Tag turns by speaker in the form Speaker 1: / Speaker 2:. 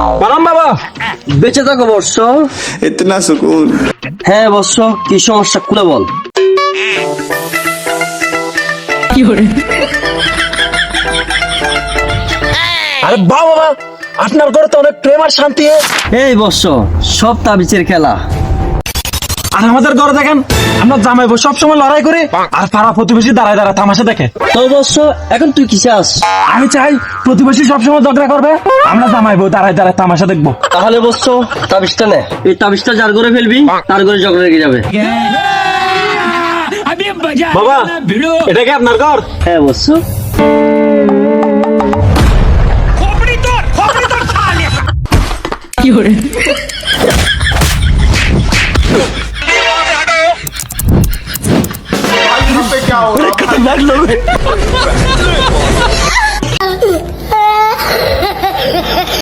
Speaker 1: বানাম বাবা।
Speaker 2: বেঁচে থাকো বর্ষ।
Speaker 3: इतना सुकून।
Speaker 2: হ্যাঁ বর্ষ, কি সমস্যা খুলে বল।
Speaker 1: আরে বাবা, আপনার ঘরে তো অনেক প্রেম আর শান্তি।
Speaker 2: এই বর্ষ, সব তাবিজের খেলা।
Speaker 1: আর আমাদের ঘরে দেখেন, আমরা জামাই বউ সবসময় লড়াই করে, আর পাড়া প্রতিবেশী দাঁড়ায় দাঁড়ায় তামাশা দেখে।
Speaker 2: তো বর্ষ, এখন তুই কি চাস?
Speaker 1: আমি চাই প্রতিবেশী সবসময় ঝগড়া করবে, আমরা জামাই বউ দাঁড়ায় দাঁড়ায় তামাশা দেখবো।
Speaker 2: তাহলে বর্ষ, তাবিজটা নে। এই তাবিজটা যার ঘরে ফেলবি, তার ঘরে ঝগড়া লেগে যাবে।
Speaker 1: বাবা, এটা কি আপনার ঘর?
Speaker 2: হ্যাঁ বর্ষ।
Speaker 3: यहाँ पे क्या हो रहा है?